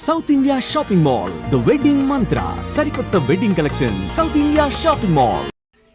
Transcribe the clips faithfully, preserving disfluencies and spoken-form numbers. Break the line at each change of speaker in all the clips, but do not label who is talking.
South India shopping mall, the wedding Mantra, సరికొత్త wedding collection, South India shopping mall.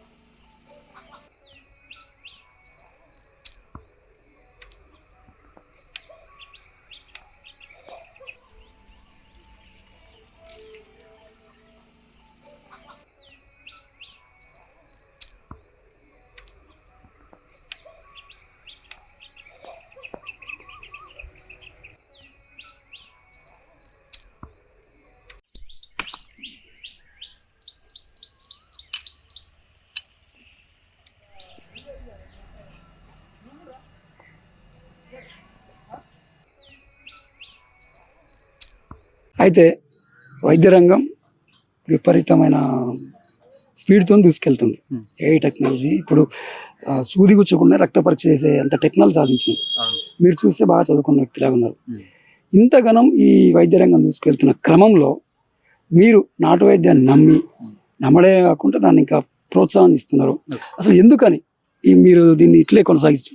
అయితే వైద్య రంగం విపరీతమైన స్పీడ్తో దూసుకెళ్తుంది. ఏ టెక్నాలజీ ఇప్పుడు సూది గుచ్చకుండా రక్త పరీక్ష చేసే అంత టెక్నాలజీ సాధించింది. మీరు చూస్తే బాగా చదువుకున్న వ్యక్తిలాగా ఉన్నారు. ఇంతగానం ఈ వైద్య రంగం దూసుకెళ్తున్న క్రమంలో మీరు నాటు వైద్యాన్ని నమ్మి నమ్మడే కాకుండా దాన్ని ఇంకా ప్రోత్సాహం ఇస్తున్నారు. అసలు ఎందుకని ఈ మీరు దీన్ని ఇట్లే కొనసాగిస్తారు?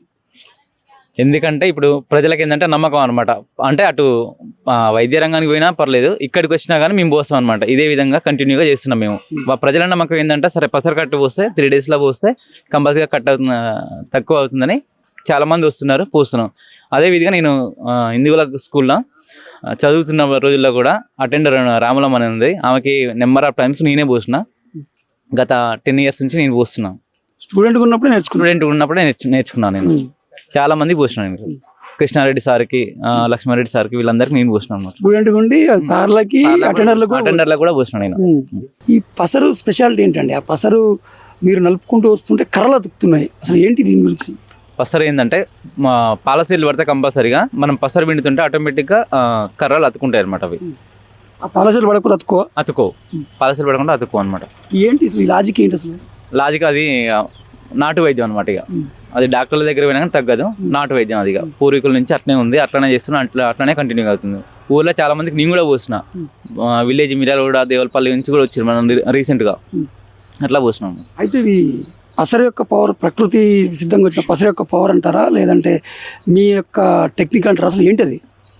ఎందుకంటే ఇప్పుడు ప్రజలకి ఏంటంటే నమ్మకం అనమాట. అంటే అటు వైద్య రంగానికి పోయినా పర్లేదు, ఇక్కడికి వచ్చినా కానీ మేము పోస్తాం అనమాట. ఇదే విధంగా కంటిన్యూగా చేస్తున్నాం మేము. ప్రజల నమ్మకం ఏంటంటే సరే పసరు కట్టు పోస్తే త్రీ డేస్లో పోస్తే కంపల్సరీగా కట్ అవుతుంది, తక్కువ అవుతుందని చాలామంది వస్తున్నారు, పోస్తున్నాం. అదే విధంగా నేను హిందువుల స్కూల్లో చదువుతున్న రోజుల్లో కూడా అటెండర్ రాములమ్మ అని ఉంది, ఆమెకి నెంబర్ ఆఫ్ టైమ్స్ నేనే పోసిన. గత టెన్ ఇయర్స్ నుంచి నేను పోస్తున్నాను.
స్టూడెంట్ ఉన్నప్పుడే నేర్చుకున్నాను
స్టూడెంట్ ఉన్నప్పుడే నేర్చుకున్నాను నేను. చాలా మంది పోసినాను. కృష్ణారెడ్డి సార్కి, లక్ష్మారెడ్డి సార్కి, వీళ్ళందరికీ నేను పోసినాను.
స్టూడెంట్ ఉండి సార్లకి అటెండర్లకు
అటెండర్లకు కూడా పోసినాను నేను.
ఈ పసరు స్పెషాలిటీ ఏంటండి? ఆ పసరు మీరు నలుపుకుంటూ వస్తుంటే కర్రలు అతుకుతున్నాయి, అసలు ఏంటి దీని గురించి?
పసరు ఏంటంటే మా పాలసీలు పడితే కంపల్సరీగా మనం పసరు పిండుతుంటే ఆటోమేటిక్గా కర్రలు అతుకుంటాయి అనమాట. అవి
ఆ పాలసీలు పడకపోతే అతుకో
అతుకో పాలసీలు పడకుండా అతుకో అనమాట.
ఏంటి అసలు ఈ లాజిక్ ఏంటి? అసలు
లాజిక్ అది నాటు వైద్యం అనమాట. ఇక అది డాక్టర్ల దగ్గర పోయినా కానీ తగ్గదు, నాటు వైద్యం. అది ఇక పూర్వీకుల నుంచి అట్లనే ఉంది, అట్లనే చేస్తున్నా, అట్లా అట్లనే కంటిన్యూ అవుతుంది. ఊళ్ళో చాలా మందికి నేను కూడా పోసిన, విలేజ్ మిర్యాల కూడా దేవలపల్లి నుంచి కూడా వచ్చారు మనం రీసెంట్గా, అట్లా పోసినాము.
అయితే ఇది పసరు యొక్క పవర్ ప్రకృతి సిద్ధంగా వచ్చిన పసరు యొక్క పవర్ అంటారా, లేదంటే మీ యొక్క టెక్నిక్ అంటారా? అసలు ఏంటది?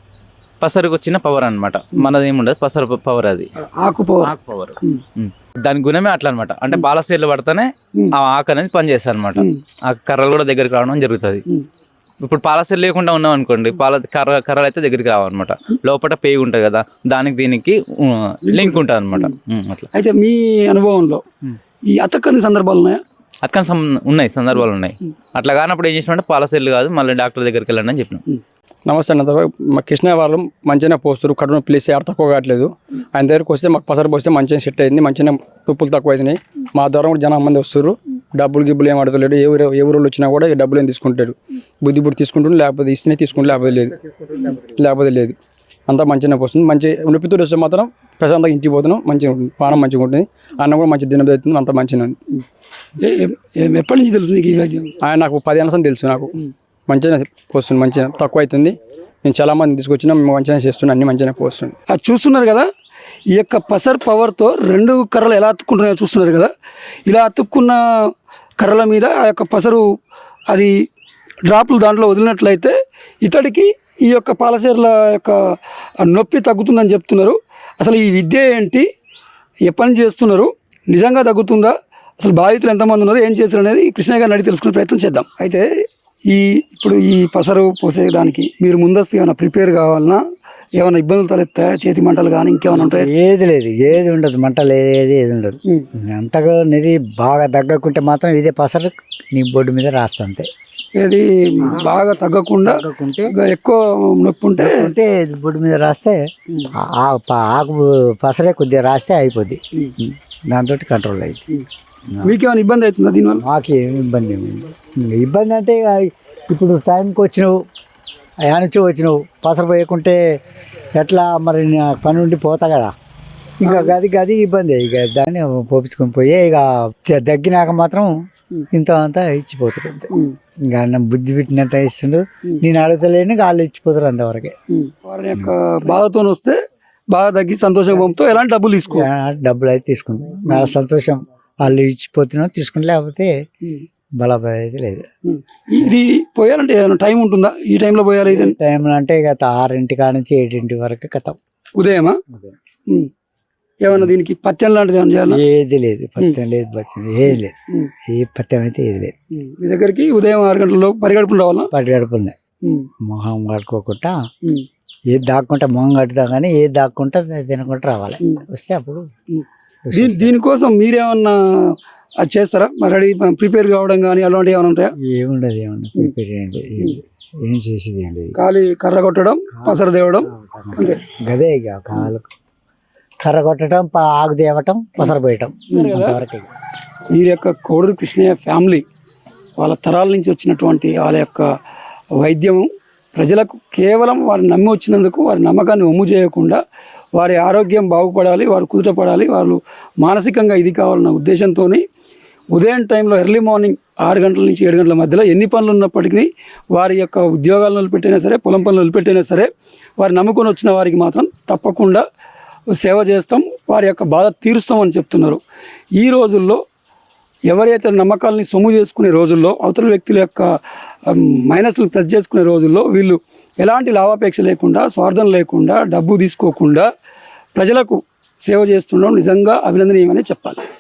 పసరుకు వచ్చిన పవర్ అనమాట, మనది ఏముండదు, పసరు పవర్. అది
ఆకు పవర్.
ఆకు పవర్ దాని గుణమే అట్లా అనమాట. అంటే పాలసీలు పడితేనే ఆ ఆకు అనేది పనిచేస్తుంది అనమాట. ఆ కర్రలు కూడా దగ్గరికి రావడం జరుగుతుంది. ఇప్పుడు పాలసీలు లేకుండా ఉన్నాం అనుకోండి, పాల కర్ర కర్రలు అయితే దగ్గరికి రావన్నమాట. లోపల పేగు ఉంటుంది కదా, దానికి దీనికి లింక్ ఉంటుంది అనమాట. అట్లా.
అయితే మీ అనుభవంలో ఈ అతక్కని సందర్భాలు ఉన్నాయా?
అతకని ఉన్నాయి, సందర్భాలు ఉన్నాయి. అట్లా కానప్పుడు ఏం చేసినట్టే పాలసీలు కాదు, మళ్ళీ డాక్టర్ దగ్గరికి వెళ్ళండి అని చెప్పినాం.
నమస్తే అన్న, మా కృష్ణ వాళ్ళు మంచిగా పోస్తారు, కడుపు ప్లేస్ ఎవరు తక్కువ కావట్లేదు. ఆయన దగ్గరికి వస్తే మాకు పసరు పోస్తే మంచిగా సెట్ అయింది, మంచిగా తుప్పులు తక్కువ అవుతున్నాయి. మా ద్వారా కూడా జనం మంది వస్తారు, డబ్బులు గిబ్బులు ఏం అడతలేడు. ఏ ఊరు ఏ ఊరు వచ్చినా కూడా ఈ డబ్బులు ఏం తీసుకుంటాడు, బుద్ధి బుద్ధి తీసుకుంటాడు, లేకపోతే ఇస్తేనే తీసుకుంటే లేకపోతే లేదు, లేకపోతే లేదు. అంతా మంచిగా పోస్తుంది. మంచి నొప్పితో వస్తే మాత్రం ప్రశాంతంగా ఇంటికి పోతున్నాం, మంచిగా ఉంటుంది, పానం మంచిగా ఉంటుంది, అన్నం కూడా మంచి దినం అవుతుంది, అంతా మంచిగా ఉంది.
ఎప్పటి నుంచి తెలుసు నీకు?
ఆయన నాకు పది ఏళ్ళ తెలుసు, నాకు మంచిగా పోస్తుంది, మంచిగా తక్కువ అవుతుంది. నేను చాలా మంది తీసుకొచ్చినా మేము మంచిగా చేస్తున్నాం, అన్ని మంచిగా పోస్తుంది.
అది చూస్తున్నారు కదా, ఈ యొక్క పసర్ పవర్తో రెండు కర్రలు ఎలా అతుక్కుంటున్నాయో చూస్తున్నారు కదా. ఇలా అతుక్కున్న కర్రల మీద ఆ యొక్క పసరు అది డ్రాపులు దాంట్లో వదిలినట్లయితే ఇతడికి ఈ యొక్క పాలసీర్ల యొక్క నొప్పి తగ్గుతుందని చెప్తున్నారు. అసలు ఈ విద్య ఏంటి, ఎప్పటి నుంచి చేస్తున్నారు, నిజంగా తగ్గుతుందా, అసలు బాధితులు ఎంతమంది ఉన్నారు, ఏం చేశారు అనేది కృష్ణ గారిని అడిగి తెలుసుకునే ప్రయత్నం చేద్దాం. అయితే ఈ ఇప్పుడు ఈ పసరు పోసేదానికి మీరు ముందస్తు ఏమైనా ప్రిపేర్ కావాలన్నా, ఏమైనా ఇబ్బందులు తలెత్తాయా, చేతి మంటలు కానీ ఇంకేమైనా ఉంటాయి?
ఏది లేదు, ఏది ఉండదు, మంటలు ఏది ఏది ఉండదు. అంతగా నెరి బాగా తగ్గకుంటే మాత్రం ఇదే పసరు నీ బొడ్డు మీద రాస్తా అంతే.
ఏది బాగా తగ్గకుండా ఎక్కువ నొప్పి ఉంటే
ఉంటే బొడ్డు మీద రాస్తే ఆకు పసరే కొద్దిగా రాస్తే అయిపోద్ది, దాంతో కంట్రోల్ అయింది.
మీకేమైనా ఇబ్బంది అవుతుందా దీనివల్ల?
మాకేం ఇబ్బంది ఏమైంది? ఇబ్బంది అంటే ఇప్పుడు టైంకి వచ్చినావు, యానించి వచ్చినావు, పసరు పోయకుంటే ఎట్లా మరి పని ఉండి పోతా కదా, ఇంకా గది గది ఇబ్బంది. ఇక దాన్ని పోపించుకొని పోయి ఇక తగ్గినాక మాత్రం ఇంత అంతా ఇచ్చిపోతారు అంతే. ఇంకా బుద్ధి పెట్టినంత ఇస్తుండ్రు, నేను అడగలేని వాళ్ళు ఇచ్చిపోతారు అంతవరకే.
వారి యొక్క బాధతో వస్తే బాగా తగ్గి సంతోషం పంపుతో ఎలాంటి డబ్బులు తీసుకో
డబ్బులు అయితే తీసుకుంటాం, నా సంతోషం వాళ్ళు ఇచ్చిపోతున్నా తీసుకుంటే, లేకపోతే బలపడి అయితే లేదు.
ఇది పోయాలంటే ఏదైనా టైం ఉంటుందా? ఈ టైంలో పోయాలి, ఇది
టైంలో అంటే ఇక ఆరింటి కాడ నుంచి ఏడింటి వరకు కథం
ఉదయమా
ఉదయం.
ఉమ్. ఏమన్నా దీనికి పత్యం లాంటిది ఏమైనా చేయాలా
ఏది లేదు పత్యం లేదు పత్యం ఏది లేదు
ఉమ్.
ఏ పత్యం అయితే ఏది లేదు
ఉమ్. మీ దగ్గరికి ఉదయం ఆరు గంటలలో పరిగెడుపులు రావాలా
పది గడుపులున్నాయి
ఉమ్.
మొహం కట్టుకోకుండా
ఉమ్.
ఏది దాక్కుంటా మొహం కట్టుతాం కానీ ఏది దాక్కుంటా తినకుండా రావాలి
ఉమ్.
వస్తే అప్పుడు
ఉమ్. దీని దీనికోసం మీరేమన్నా అది చేస్తారా మరి రెడీ ప్రిపేర్ కావడం కానీ అలాంటివి ఏమైనా ఉంటాయా
ఏముండదు ఏముండదు ప్రిపేర్ ఏంటి ఏం చేసేది ఏం లేదు
ఖాళీ కర్ర కొట్టడం పసరు తేవడం అంతే
గదే ఇక కాలు కర్ర కొట్టడం పా- ఆకు తేవటం పసర పోయటం అంతవరకు ఇక.
వీరి యొక్క కోడూరు కృష్ణయ్య ఫ్యామిలీ వాళ్ళ తరాల నుంచి వచ్చినటువంటి వాళ్ళ యొక్క వైద్యము ప్రజలకు కేవలం వారిని నమ్మి వచ్చినందుకు వారి నమ్మకాన్ని ఒమ్ము చేయకుండా వారి ఆరోగ్యం బాగుపడాలి వారు కుదుటపడాలి వాళ్ళు మానసికంగా ఇది కావాలన్న ఉద్దేశంతో ఉదయం టైంలో ఎర్లీ మార్నింగ్ ఆరు గంటల నుంచి ఏడు గంటల మధ్యలో ఎన్ని పనులు ఉన్నప్పటికీ వారి యొక్క ఉద్యోగాలను వదిలిపెట్టైనా సరే పొలం పనులు వదిలిపెట్టైనా సరే వారు నమ్ముకొని వచ్చిన వారికి మాత్రం తప్పకుండా సేవ చేస్తాం వారి యొక్క బాధ తీరుస్తామని చెప్తున్నారు. ఈ రోజుల్లో ఎవరైతే నమ్మకాలని సొమ్ము చేసుకునే రోజుల్లో అవతల వ్యక్తుల యొక్క మైనస్లు ప్లస్ చేసుకునే రోజుల్లో వీళ్ళు ఎలాంటి లాభాపేక్ష లేకుండా స్వార్థం లేకుండా డబ్బు తీసుకోకుండా ప్రజలకు సేవ చేస్తుండడం నిజంగా అభినందనీయమని చెప్పాలి.